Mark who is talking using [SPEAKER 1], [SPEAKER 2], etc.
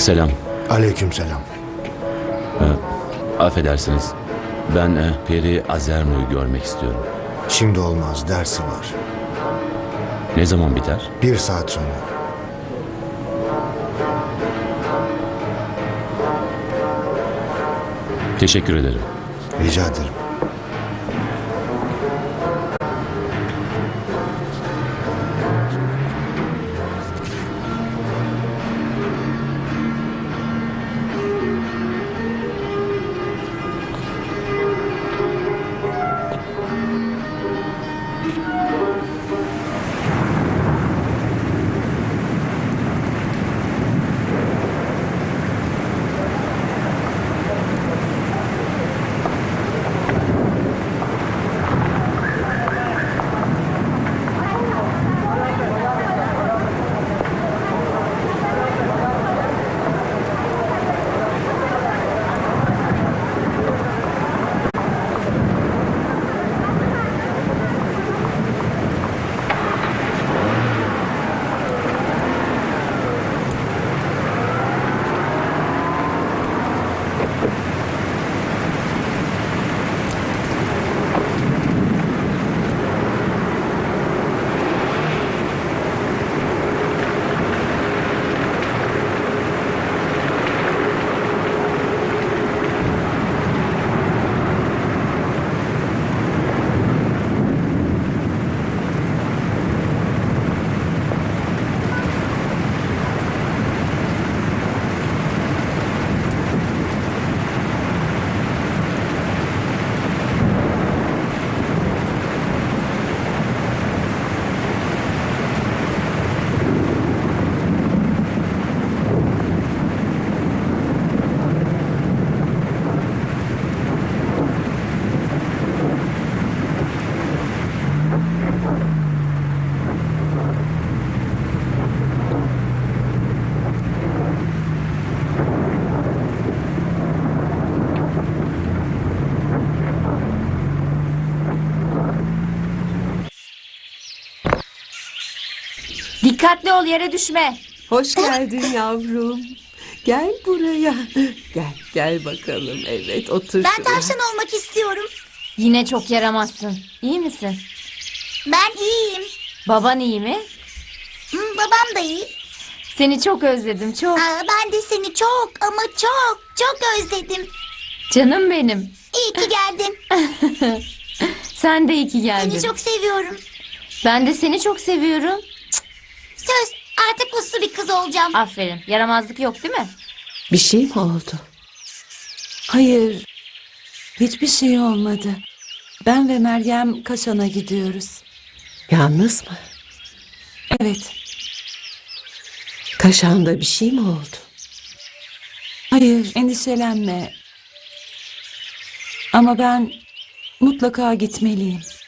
[SPEAKER 1] Selam.
[SPEAKER 2] Aleykümselam.
[SPEAKER 1] Affedersiniz. Ben Peri Azerno'yu görmek istiyorum.
[SPEAKER 2] Şimdi olmaz, dersi var.
[SPEAKER 1] Ne zaman biter?
[SPEAKER 2] 1 saat sonra.
[SPEAKER 1] Teşekkür ederim.
[SPEAKER 2] Rica ederim.
[SPEAKER 3] Dikkatli ol, yere düşme.
[SPEAKER 4] Hoş geldin yavrum. Gel buraya. Gel bakalım. Evet, otur
[SPEAKER 5] Ben
[SPEAKER 4] şuraya.
[SPEAKER 5] tavşan olmak istiyorum.
[SPEAKER 3] Yine çok yaramazsın. İyi misin?
[SPEAKER 5] Ben iyiyim.
[SPEAKER 3] Baban iyi mi?
[SPEAKER 5] Babam da iyi.
[SPEAKER 3] Seni çok özledim, çok.
[SPEAKER 5] Ben de seni çok ama çok özledim.
[SPEAKER 3] Canım benim.
[SPEAKER 5] İyi ki geldin.
[SPEAKER 3] Sen de iyi ki geldin.
[SPEAKER 5] Seni çok seviyorum.
[SPEAKER 3] Ben de seni çok seviyorum.
[SPEAKER 5] Söz, artık uslu bir kız olacağım.
[SPEAKER 3] Aferin. Yaramazlık yok değil mi?
[SPEAKER 4] Bir şey mi oldu?
[SPEAKER 6] Hayır, hiçbir şey olmadı. Ben ve Meryem Kaşan'a gidiyoruz.
[SPEAKER 4] Yalnız mı?
[SPEAKER 6] Evet,
[SPEAKER 4] Kaşağında bir şey mi oldu?
[SPEAKER 6] hayır, endişelenme. Ama ben mutlaka gitmeliyim.